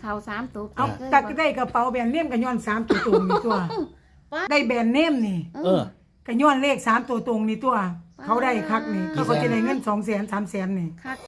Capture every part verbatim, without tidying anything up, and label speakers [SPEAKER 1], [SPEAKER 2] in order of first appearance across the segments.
[SPEAKER 1] เขาสามตัว
[SPEAKER 2] เอาตักได้กระเป๋าแบรนด์เนมกันย้อนสามตัวตรงนี่ตัวได้แบรนด์เนมนี่
[SPEAKER 1] เออ
[SPEAKER 2] กันย้อนเลขสามตัวตรงนี่ตัวเขาได้คักนี่เขาก็จะได้เงินสองแสนสามแสนนี่
[SPEAKER 1] คัก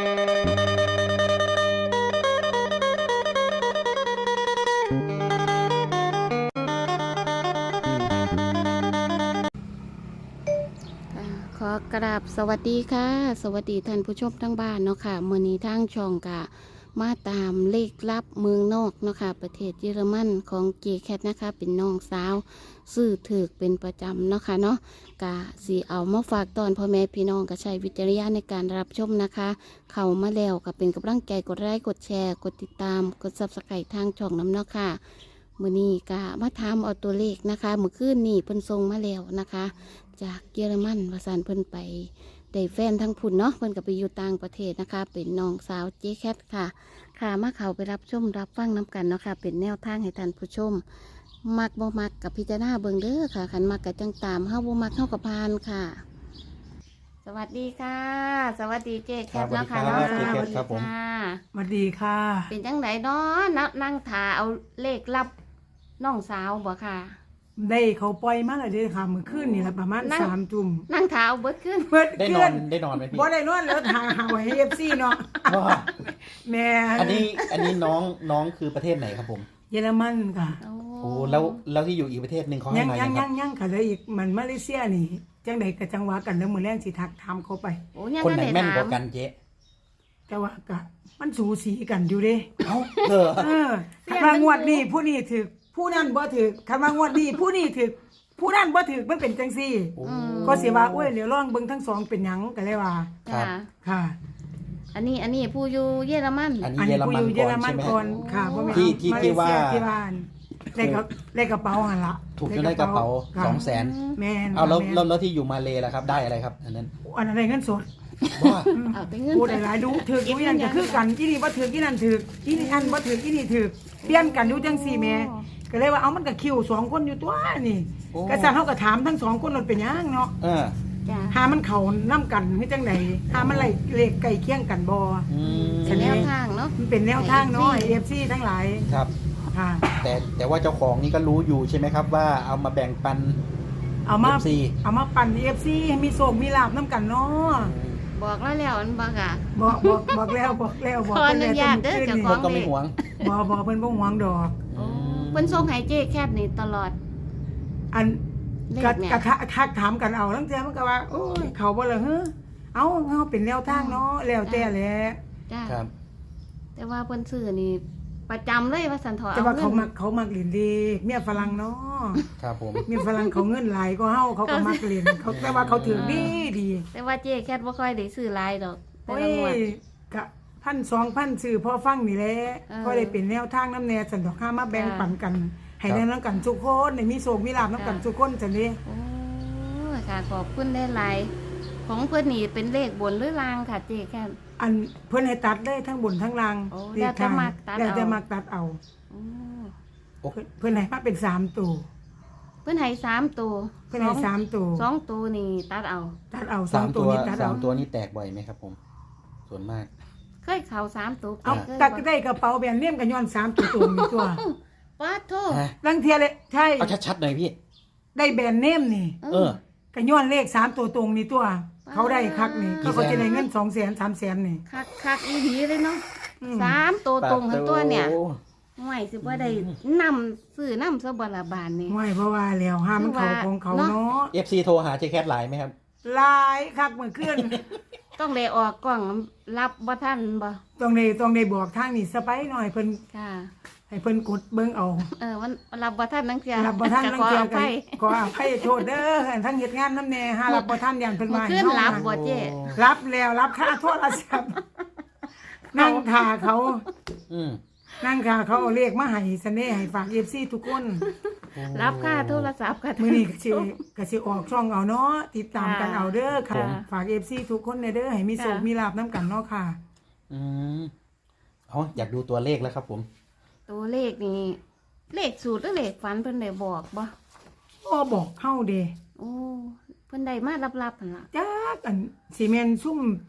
[SPEAKER 1] ขอกราบสวัสดีค่ะสวัสดีท่านผู้ชมทั้งบ้านเนาะค่ะมื้อนี้ทางช่องกะมาตามเลขลับเมืองนอกเนาะค่ะประเทศเยอรมันของเจแคทนะคะเป็นน้องสาวซื้อถือเป็นประจำเนาะค่ะเนาะกะสีเอามาฝากตอนพ่อแม่พี่น้องก็ใช้วิจารณญาณในการรับชมนะคะเข้ามาแล้วก็เป็นกำลังใจกดไลค์กดแชร์กดติดตามกดซับสไครต์ทางช่องน้ำเนาะค่ะมื้อนี้กะมาถามเอาตัวเลขนะคะเมื่อคืนนี้เพิ่นส่งมาแล้วนะคะจากเยอรมันวาสานเพิ่นไปได้แฟนทั้งพุ่นเนาะเพิ่นก็ไปอยู่ต่างประเทศนะคะเป็นน้องสาวเจ๊แคทค่ะค่ะมาเขาไปรับชมรับฟังน้ำกันเนาะค่ะเป็นแนวทางให้ท่านผู้ชมมักบ่มักกับพิจารณาเบิ่งเด้อค่ะขันมักกับจังตามเฮาบ่มักเฮากับพานค่ะ สวัสดีค่ะ สวัสดีเจ๊แคทเนาะค่ะเนาะ
[SPEAKER 3] สวัสดีครับครับผม
[SPEAKER 2] สวัสดีค่ะ
[SPEAKER 1] เป็นจังไดเนาะนันั่งถาเอาเลขลับน้องสาวบ่ค่ะ
[SPEAKER 2] ได้เขาปล่อยมาแล้วเด้อค่ะมื้อคืนนี่ละประมาณสามทุ่ม
[SPEAKER 1] นั่งถาเอาเบิดขึ้น
[SPEAKER 2] เบิด
[SPEAKER 3] ได้น
[SPEAKER 2] ขึ้
[SPEAKER 3] อน นได้นอนไหมพี่
[SPEAKER 2] บ่ได้นอนแล้วหาหาไว้ให้ เอฟ ซี เนาะแม่
[SPEAKER 3] อันนี้อันนี้น้องน้องคือประเทศไหนครับผม
[SPEAKER 2] เยอรมันค่ะ
[SPEAKER 3] โอ้แล้วแล้วที่อยู่อีกประเทศหนึ่งเขาให้มา
[SPEAKER 2] ยัง
[SPEAKER 3] ค
[SPEAKER 2] ยั
[SPEAKER 3] รับ
[SPEAKER 2] งยังค่ะเลยอีกมันมาเลเซียนี่จังใดก็จังหวะกันแล้วมื้อแรงสิทักถามเขาไป
[SPEAKER 3] คนไหนแม่นกว่ากันเจ๊
[SPEAKER 2] แต่ว่าก็มันสูสีกันอยู่เด้
[SPEAKER 3] เอ้าเออ
[SPEAKER 2] เออคันว่างวดนี้ผู้นี้ถูกผู้นั้นบ่ถูกคันว่างวดนี้ผู้นี้ถูกผู้นั้นบ่ถูกมันเป็นจังซี่ก็สิว่าโอ้ยเดี๋ยวลองเบิ่งทั้งสองเป็นหยังก็เลยว่า
[SPEAKER 1] ค่ะ
[SPEAKER 2] ค่ะ
[SPEAKER 1] อันนี้อันนี้ผู้อยู่เยอรมัน
[SPEAKER 3] อันนี้เยอรมันก่อนใช่ไหม
[SPEAKER 2] ค่ะบ่แม่น
[SPEAKER 3] ที่ที่ที่ว่า
[SPEAKER 2] ที่บ้านเลขเลขกระเป๋าหั่นล่ะ
[SPEAKER 3] ถูกจนได้กระเป๋า สองแสน
[SPEAKER 2] แม่น
[SPEAKER 3] เอาแล้วแล้วที่อยู่มาเลล่ะครับได้อะไรครับอันนั้น
[SPEAKER 2] อันนั้นได้เงินสด
[SPEAKER 3] ว่า
[SPEAKER 1] เอาแต่เงิน
[SPEAKER 2] พูดหลายๆดูถืออีนั่นก็คือกันอีนี่บ่ถืออีนั่นถืออีนี่อันบ่ถืออีนี่ถือเปลี่ยนกันอยู่จังซี่แม่ก็เลยว่าเอามันก็คิวสองคนอยู่ตัวนี่ก็ซั่นเฮาก็ถามทั้งสองคนมันเป็นหยังเนาะ
[SPEAKER 3] เออ
[SPEAKER 2] หามันเข้านำกันคือจังได๋หามันไล่เลขใกล้เคียงกันบ่
[SPEAKER 3] อืม
[SPEAKER 1] เป็นแนวทางเนาะ
[SPEAKER 2] มันเป็นแนวทางเนาะ เอ เอฟ ซี ทั้งหลาย
[SPEAKER 3] ครับ
[SPEAKER 2] ค่ะ
[SPEAKER 3] แต่แต่ว่าเจ้าของนี่ก็รู้อยู่ใช่ไหมครับว่าเอามาแบ่งปัน
[SPEAKER 2] เอามาเอามาปั่น เอ เอฟ ซี ให้มีโชคมีลาภนำกันเนาะ
[SPEAKER 1] บอกแล้วแล้วอันบอกอ่ะ
[SPEAKER 2] บอกบอกบอกแล้วบอกแล้วบอก
[SPEAKER 1] เพิ่นอนุญาตเด้อเจ้าของ
[SPEAKER 3] ก็ไม่หวง
[SPEAKER 2] บ่บ่เพิ่นบ่หวงดอก
[SPEAKER 1] เพิ่นส่งให้เจ๊แคทนี่ตลอด
[SPEAKER 2] อันกะกะทักถามกันเอาทั้งเทื่อมันก็ว่าโอ้ยเขาบ่ล่ะเฮ้อเอ้าเฮาเป็นแนวทางเนาะแล้วแต่แหละ
[SPEAKER 1] จ้าครับแต่ว่าเพิ่นซื้อนี่ประจำเลยว่าสันทอ
[SPEAKER 2] แต่ว่าเขามักเขามักเล่นเลขเมียฝรั่งเนาะ
[SPEAKER 3] ครับผม
[SPEAKER 2] เมียฝรั่งเขาเงินหลายก็เฮาเขาก็มักเล่นเขาแต่ว่าเขาถือดีดี
[SPEAKER 1] แต่ว่าเจ๊แคทบ่ค่อยได้ซื้อหลายดอก
[SPEAKER 2] โอ้ยกะพันสองพันซื้อพอฟังนี่แหละก็ได้เป็นแนวทางน้ำแน่สันดอกห้ามาแบ่งปันกันให้ได้นำกันทุกคนได้มีโชคมีลาภนำกันทุกคนจังนี้
[SPEAKER 1] โอ้ค่ะขอบคุณได้หลายของเพิ่นนี่เป็นเลขบนหรือล่างค่ะเจ๊แคท
[SPEAKER 2] อันเพิ่นให้ตัดได้ทั้งบนทั้งล่าง
[SPEAKER 1] แล้วจะมักตัดเอา
[SPEAKER 2] แล้วจะมักตัดเอาเพิ่นให้มาเป็นสามตัว
[SPEAKER 1] เพิ่นให้สามตัว
[SPEAKER 2] เพิ่นให้สามตัว
[SPEAKER 1] สองตัวนี่ตัดเอา
[SPEAKER 2] ตัดเอาสองตัวนี้ตัดเอา
[SPEAKER 3] สามตัวนี้แตกบ่อยไหมครับผมส่วนมาก
[SPEAKER 1] เคยเข้าสามตัว
[SPEAKER 2] เอาตัดได้กระเป๋าแบรนด์เนมกันย้อนสามตัวตรงนี่ตัว
[SPEAKER 1] ป้าโท
[SPEAKER 2] ลังเทียเลยใช่
[SPEAKER 3] เอาชัดๆหน่อยพี่
[SPEAKER 2] ได้แบรนด์เนมนี่
[SPEAKER 3] เออ
[SPEAKER 2] กันย้อนเลขสามตัวตรงนี่ตัวเขาได้คักนี่เขาก็จะได้เงินสองแสนสามแสนนี่
[SPEAKER 1] คักคักอีหลีเลยเนาะสามตัวตรงทั้งตัวเนี่ยไม่สิว่าได้นำซื้อนำซะบละบาทนี่
[SPEAKER 2] ไม่เพราะว่าแล้วห้ามมันเขาของเขาเนาะ
[SPEAKER 3] เอฟ ซี โทรหาเจแคทไลน์ไหมครับ
[SPEAKER 2] ไลน์คักเหมือนขึ้น
[SPEAKER 1] ต้องได้ออกกล้องรับบ่ทันบ่
[SPEAKER 2] ต้องได้ต้องได้บอกทางนี่สไปหน่อยเพิ่น
[SPEAKER 1] ค่ะ
[SPEAKER 2] ให้เพิ่นกดเบิ่งเอา
[SPEAKER 1] เออมันรับบ่ทันนังเสีย
[SPEAKER 2] รับบ่ทันนังเสียกันขออภัยโทษเด้อทั้งเฮ็ดงานนำแน่หารับบ่ทันอย่างเพิ่นว่า
[SPEAKER 1] ขึ้นรับบ่เจ้
[SPEAKER 2] รับแล้วรับค่าโทรศัพท์นั่งท่าเขา
[SPEAKER 3] อืม
[SPEAKER 2] นั่งท่าเขาเอาเลขมาให้เสน่ห์ให้ฝาก เอฟ ซี ทุกคน
[SPEAKER 1] รับค่าโทรศัพท์ค่ะ
[SPEAKER 2] มื้อนี้ก็สิก็สิออกช่องเอาเนาะติดตามกันเอาเด้อค่ะฝาก เอฟ ซี ทุกคนเด้อให้มีโชคมีลาภนำกันเนาะค่ะ
[SPEAKER 3] อืมอ๋ออยากดูตัวเลขแล้วครับผม
[SPEAKER 1] ตัวเลขนี่เลขสูตรหรือเลขฝันเพิ่นได้บอกบ่
[SPEAKER 2] บ่บอกเฮาเด้
[SPEAKER 1] โอ้เพิ่นได้มาลับๆหั่นล่ะ
[SPEAKER 2] จักอันสิแม่นซุ่ม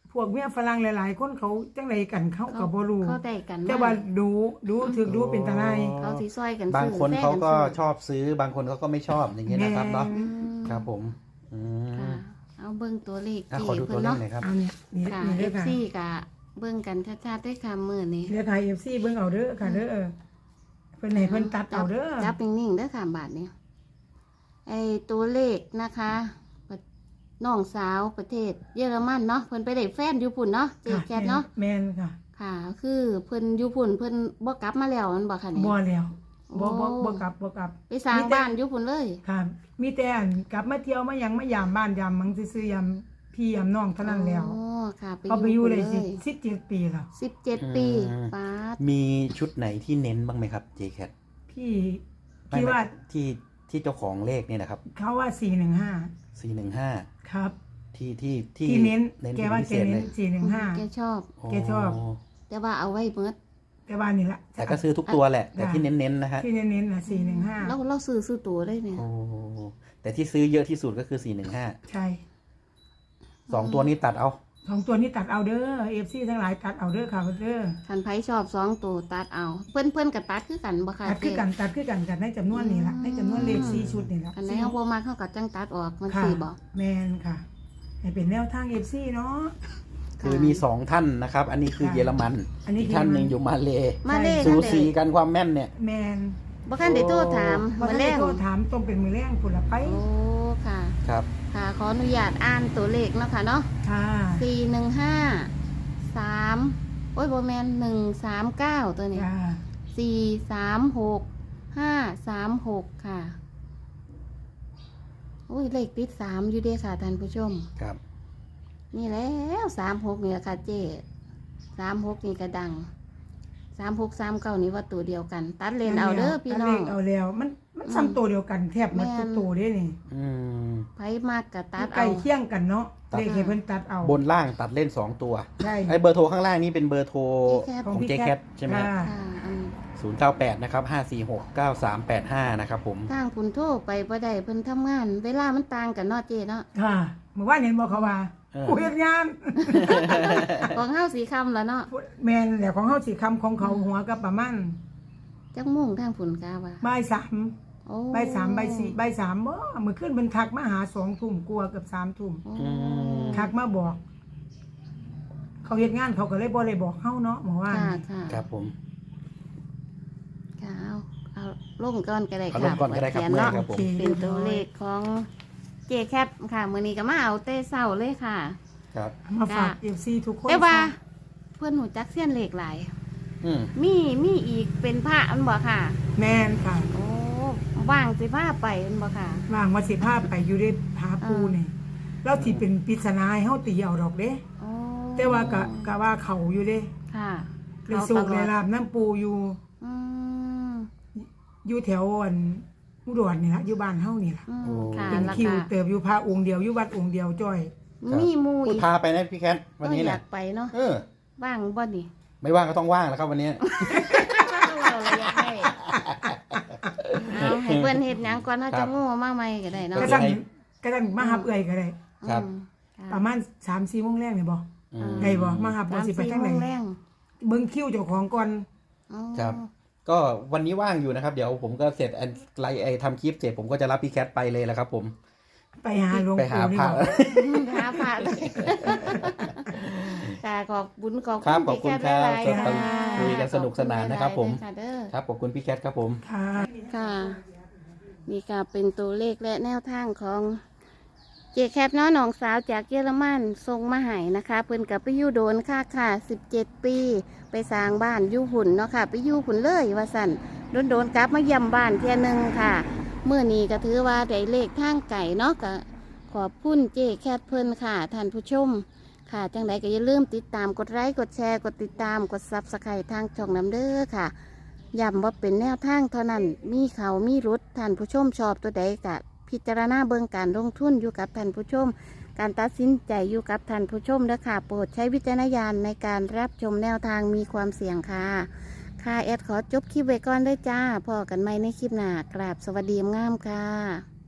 [SPEAKER 2] พวกเมียฝรั่งหลายๆคนเขาจังไดกันเขาก็บ่รู้
[SPEAKER 1] เขาได้กัน
[SPEAKER 2] แต่ว่าดูดูถึกดูเป็นตาไน
[SPEAKER 1] เขาสิซอยกัน
[SPEAKER 3] บาง
[SPEAKER 1] ซื้อ
[SPEAKER 3] คน
[SPEAKER 1] แฟ
[SPEAKER 3] เขาก็
[SPEAKER 1] ซื้อ
[SPEAKER 3] ชอบซื้อบางคนเขาก็ไม่ชอบอย่างเงี้ยนะครับเนาะ
[SPEAKER 2] แม่
[SPEAKER 3] ครับผมอืม
[SPEAKER 1] ค่ะ เอาเบิ่งตัวเลข
[SPEAKER 3] อ่ะ
[SPEAKER 1] เจ
[SPEAKER 3] ขอดู
[SPEAKER 1] เพิ่
[SPEAKER 3] ตัวน เลข
[SPEAKER 1] เนาะ
[SPEAKER 3] หน่อยครับ
[SPEAKER 2] เอาเนี่ยนี่
[SPEAKER 1] ค่ะ
[SPEAKER 2] นี่เด้อค่ะ
[SPEAKER 1] เอฟซีกะเบิ่งกันชัดๆด้วยค่ะมื้อนี้
[SPEAKER 2] เด้อค่ะ เอฟ ซี เบิ่งเอาเด้อค่ะเด้อเพิ่นให้เพิ่นตัดเอาเด้อ
[SPEAKER 1] จับนิ่งๆเด้อค่ะบาทนี้ไอ้ตัวเลขนะคะน้องสาวประเทศเยอรมันเนาะเพิ่นไปได้แฟนอยู่พุ่นเนาะเจ๊แคทเนาะ
[SPEAKER 2] แม่นค่ะ
[SPEAKER 1] ค่ะ คือเพิ่นอยู่พุ่นเพิ่นบ่กลับมาแล้วมันบ่ค่ะนี่
[SPEAKER 2] บ่แล้วบ่บ่
[SPEAKER 1] โอ้
[SPEAKER 2] บ่กลับบ่กลับ
[SPEAKER 1] ไปสร้าง
[SPEAKER 2] มีแต่
[SPEAKER 1] บ้านอยู่พุ่นเลย
[SPEAKER 2] ค่ะ มีแต่อันกลับมาเที่ยวมาหยังมายามบ้านยามมังซื่อๆยามพี่ยามน้องเท่านั้นแล้ว
[SPEAKER 1] อ๋อค่ะไป
[SPEAKER 2] เขาไปอยู่
[SPEAKER 1] พุ่น
[SPEAKER 2] เลยสิสิบเจ็ดปีแล้ว
[SPEAKER 1] สิบเจ็ดปี
[SPEAKER 3] อืม
[SPEAKER 1] ป้าด
[SPEAKER 3] มีชุดไหนที่เน้นบ้างไหมครับ เจแคท
[SPEAKER 2] พี่พี่ว่า
[SPEAKER 3] ที่ที่เจ้าของเลขเนี่ยนะครับ
[SPEAKER 2] เขาว่าสี่หนึ่งห้า
[SPEAKER 3] สี่หนึ่งห้า
[SPEAKER 2] ครับ
[SPEAKER 3] ที่ที่ที่
[SPEAKER 2] ที่เน้น
[SPEAKER 3] เน้น
[SPEAKER 2] แก
[SPEAKER 3] เป็น
[SPEAKER 2] ว่า
[SPEAKER 3] พิ
[SPEAKER 2] แก
[SPEAKER 3] เศษเล
[SPEAKER 2] เน้น
[SPEAKER 3] ย
[SPEAKER 2] สี่หนึ่งห้า
[SPEAKER 1] แกชอบ
[SPEAKER 2] แกชอบ
[SPEAKER 1] แต่ว่าเอาไว้เบิด
[SPEAKER 2] แต่ว่านี่ละ
[SPEAKER 3] แต่ก็ซื้อทุกตัวแหละ แต่
[SPEAKER 2] จ้ะ
[SPEAKER 3] ที่เน้นๆนะฮะ
[SPEAKER 2] ที่เน้นๆนะสี่หนึ่งห้า
[SPEAKER 1] เราเราซื้อซื้อตัวได้เนี่ย
[SPEAKER 3] โอ้แต่ที่ซื้อเยอะที่สุดก็คือสี่หนึ่งห้า
[SPEAKER 2] ใช่
[SPEAKER 3] สองตัวนี้ตัดเอา
[SPEAKER 2] สองตัวนี้ตัดเอาเด้อเอฟซีทั้งหลายตัดเอาเด้อค่ะเด้อ
[SPEAKER 1] คันไผชอบสองตัวตัดเอา เพิ่นเพิ่นกับตัดคือกันบ่ค่ะ
[SPEAKER 2] ตัดคือกันตัดคือกันกันในจำนวนนี้ละในจำนวนเลขสี่ชุดนี่ละ
[SPEAKER 1] อันไหนเฮาบ่มาเขาก็จังตัดออกมัน
[SPEAKER 2] ค่ะ
[SPEAKER 1] สิบ่
[SPEAKER 2] แมนค่ะให้เป็นแนวทางเอฟซีเนาะ
[SPEAKER 3] คือมีสองท่านนะครับ อันนี้คือ
[SPEAKER 2] ค่ะ
[SPEAKER 3] เยอรมัน
[SPEAKER 2] อันนี้
[SPEAKER 3] อีกท่านหนึ่งอยู่มาเล
[SPEAKER 1] มาเล
[SPEAKER 3] สู
[SPEAKER 1] นั่น
[SPEAKER 3] สี
[SPEAKER 1] เด้
[SPEAKER 3] กันความแม่นเนี่ย
[SPEAKER 2] แมน
[SPEAKER 1] บ่คันได้โทรถาม
[SPEAKER 2] มา
[SPEAKER 1] มื้อ
[SPEAKER 2] แร
[SPEAKER 1] แร
[SPEAKER 2] ก
[SPEAKER 1] ง
[SPEAKER 2] โทรถามต้องเป็นมือแรงผุนละไป
[SPEAKER 1] โอ้ค่ะ
[SPEAKER 3] ครับ
[SPEAKER 1] ค่ะขออนุญาตอ่านตัวเลขเนาะค่ะเนาะ
[SPEAKER 2] ค่ะ
[SPEAKER 1] สี่หนึ่งห้า สามโอ้ยบ่แม่นหนึ่งสามเก้าตัวนี้
[SPEAKER 2] จ้า
[SPEAKER 1] สี่สามหก ห้าสามหกค่ะโอ้ยเลขติดสามอยู่เด้ค่ะท่านผู้ชม
[SPEAKER 3] ครับ
[SPEAKER 1] นี่แล้วสามหกนี่แหละค่ะเจ๊สามหกนี่ก็ดังสามหกสามเก้านี่ว่าตัวเดียวกัน ตัดเลนเอาเด้อพี่น้อง
[SPEAKER 2] ตัดเลเอาแล้วมันมันซ้ำตัวเดียวกันแทบหมดทุกตัวเด้นี่
[SPEAKER 3] อืม
[SPEAKER 1] ไผมากกับตัด
[SPEAKER 2] ใกล้
[SPEAKER 1] เอา
[SPEAKER 2] เคียงกันเนาะ
[SPEAKER 3] ตัด
[SPEAKER 2] เลขให้เพิ่นตัดเอา
[SPEAKER 3] บนล่างตัดเล่นสองตัว
[SPEAKER 2] ใช่
[SPEAKER 3] ไอ้เบอร์โทรข้างล่างนี่เป็นเบอร์โทร
[SPEAKER 1] เจ๊แคท
[SPEAKER 3] ของเจแคทใช่ไหม
[SPEAKER 2] ค่ะ
[SPEAKER 1] ค่ะอัน
[SPEAKER 3] ศูนย์เก้าแปดนะครับห้าสี่หกเก้าสามแปดห้านะครับผม
[SPEAKER 1] ทางคุณโทรไปบ่ได้เพิ่นทำงาน เวลามันต่างกันเนาะเจ๊เนาะ
[SPEAKER 2] ค่ะเมื่อวานเห็นบอกเขาว่า
[SPEAKER 3] เออ
[SPEAKER 2] กูเฮ็ดงาน
[SPEAKER 1] ของเฮาสีคำแล้วเนาะ
[SPEAKER 2] แมนแหละของเฮาสิคำของเขาหัวก็ประมาณ
[SPEAKER 1] จักมุ่งทางฝุ่นกาว่า
[SPEAKER 2] บ่ายสาม
[SPEAKER 1] โอ้
[SPEAKER 2] บ่ายสามบ่ายสี่บ่ายสามบ่มื้อคืนเพิ่นทักมาหาสองทุ่มกลัวาเกับสามทุ่ม
[SPEAKER 1] โอ้
[SPEAKER 3] อืม
[SPEAKER 2] ทักมาบอก เขาเฮ็ดงานเขาก็เลยบ่ได้บอกเฮาเนาะเมื่อวาน
[SPEAKER 1] ค่ะค่ะ
[SPEAKER 3] ครับผม
[SPEAKER 1] ค่ะเอาเอาลงก่อนก็ได้
[SPEAKER 3] เอา
[SPEAKER 1] ค่ะ
[SPEAKER 3] ลงก่อนก็ได้ครับ
[SPEAKER 1] เขียน
[SPEAKER 3] เมื่อย
[SPEAKER 1] เนาะ
[SPEAKER 3] ครับผม
[SPEAKER 1] เป็นตัวเลขของเจแคทค่ะมื้อนี้ก็มาเอาเต้เศร้าเลยค่ะ
[SPEAKER 3] ครับ
[SPEAKER 2] มาฝาก
[SPEAKER 1] ค่ะ
[SPEAKER 2] เอฟซีทุกคน
[SPEAKER 1] แต่ว่า เพื่อนหูจักเสี้ยนเลขหลาย
[SPEAKER 3] อืม
[SPEAKER 1] มีมีอีกเป็นพระอันบ่ค่ะ
[SPEAKER 2] แมนค่ะ
[SPEAKER 1] โอ้ว่างสิพาไปอันบ่ค่ะ
[SPEAKER 2] ว่างว่าสิพาไปอยู่ได้ผาปูนี่แล้วที่เป็นปริศนาให้เฮาตีเอาดอกเด้
[SPEAKER 1] โอ้
[SPEAKER 2] แต่ว่าก็ก็ว่าเขาอยู่เด้
[SPEAKER 1] ค่ะ
[SPEAKER 2] เลยสูก
[SPEAKER 1] ต
[SPEAKER 2] ใน
[SPEAKER 1] ลอด
[SPEAKER 2] ลาบน้ำปูอยู่
[SPEAKER 1] อืม
[SPEAKER 2] อยู่แถวอันอุดรนี่ล่ะอยู่บ้านเฮานี่ล่ะ
[SPEAKER 1] อืม
[SPEAKER 3] โอ้
[SPEAKER 1] ค่ะ
[SPEAKER 2] เป็น
[SPEAKER 1] แล้ว
[SPEAKER 2] คิว
[SPEAKER 1] ก็
[SPEAKER 2] เติบอยู่พระองค์เดียวอยู่วัดองค์เดียวจ้อย
[SPEAKER 1] มีหมู
[SPEAKER 3] พูด
[SPEAKER 1] อีก
[SPEAKER 3] พาไปนะพี่แคทวันนี้
[SPEAKER 1] ก็อ
[SPEAKER 3] เนี่ย
[SPEAKER 1] ยากไปเนาะ
[SPEAKER 3] เออ
[SPEAKER 1] ว่างบ่นี่
[SPEAKER 3] ไม่ว่างก็ต้องว่างแล้วครับวันนี้
[SPEAKER 1] เราเลยอยากให้เอาให้เพิ่นเฮ็ดหยังก่อนเฮา
[SPEAKER 3] ครั
[SPEAKER 1] จะ
[SPEAKER 3] บ
[SPEAKER 1] โง่มาใหม่ก็ได้เนาะ
[SPEAKER 2] ก็
[SPEAKER 3] จะ
[SPEAKER 2] สั่ง
[SPEAKER 3] ให้
[SPEAKER 2] ก็สั่งมาหับเอื้อยก็ได้
[SPEAKER 3] ครับ
[SPEAKER 1] อืมค่ะ
[SPEAKER 2] ประมาณ สามสี่โมงแรกนี่บ่
[SPEAKER 3] อืม
[SPEAKER 2] ได้บ่มาหับบ่สิไปทางไหน
[SPEAKER 1] สมสี่โมแรง
[SPEAKER 2] เบิ่งคิวเจ้าของก่อน
[SPEAKER 1] อ๋อ
[SPEAKER 3] ครับ ก็วันนี้ว่างอยู่นะครับ เดี๋ยวผมก็เสร็จอันไลน์ไอทำคลิปเสร็จผมก็จะรับพี่แคทไปเลยแหละครับ ผม
[SPEAKER 2] ไปหาหลวง
[SPEAKER 3] ไปหา
[SPEAKER 2] ปู่นี่
[SPEAKER 3] พระ
[SPEAKER 2] บ่
[SPEAKER 1] หาพระค่ะขอบคุณขอบ
[SPEAKER 3] ครับ
[SPEAKER 1] คุณ
[SPEAKER 3] ขอบคุณ
[SPEAKER 1] พี่แคท
[SPEAKER 3] ครับ
[SPEAKER 1] หลายๆ
[SPEAKER 3] ครั
[SPEAKER 1] ค่ะ
[SPEAKER 3] บคุยกันสนุกสนานนะครับผม
[SPEAKER 1] ขอณหลายๆเด้อ
[SPEAKER 3] ครับขอบคุณพี่แคทครับผม
[SPEAKER 2] ค่ะ
[SPEAKER 1] ค่ะ นี่ก็เป็นตัวเลขและแนวทางของเจแคทเนาะน้องสาวจากเยอรมันส่งมาให้นะคะ เพิ่นกับไปอยู่โดนค่ะค่ะสิบเจ็ดปี ไปสร้างบ้านอยู่หุ่นเนาะค่ะ ไปอยู่หุ่นเลยว่าสั่นโดนโดนๆกลับมาเยี่ยมบ้านเที่ยหนึงค่ะเมื่อนี้ก็ถือว่าได้เลขทางไก่เนาะก็ขอบคุณเจแคทเพิ่นค่ะท่านผู้ชม ค่ะจังใดก็อย่าลืมติดตามกดไลค์กดแชร์กดติดตามกดซับสไครต์ทางช่องน้ำเด้อค่ะย้ำว่าเป็นแนวทางเท่านั้นมีเขามีรุดท่านผู้ชมชอบตัวใดกะพิจารณาเบิ่งการลงทุนอยู่กับท่านผู้ชม การตัดสินใจอยู่กับท่านผู้ชมเด้อค่ะ โปรดใช้วิจารณญาณในการรับชมแนวทางมีความเสี่ยงค่ะค่ะแอดขอจบคลิปไว้ก่อนเด้อจ้าพอกันใหม่ในคลิปหน้ากราบสวัสดีงามค่ะ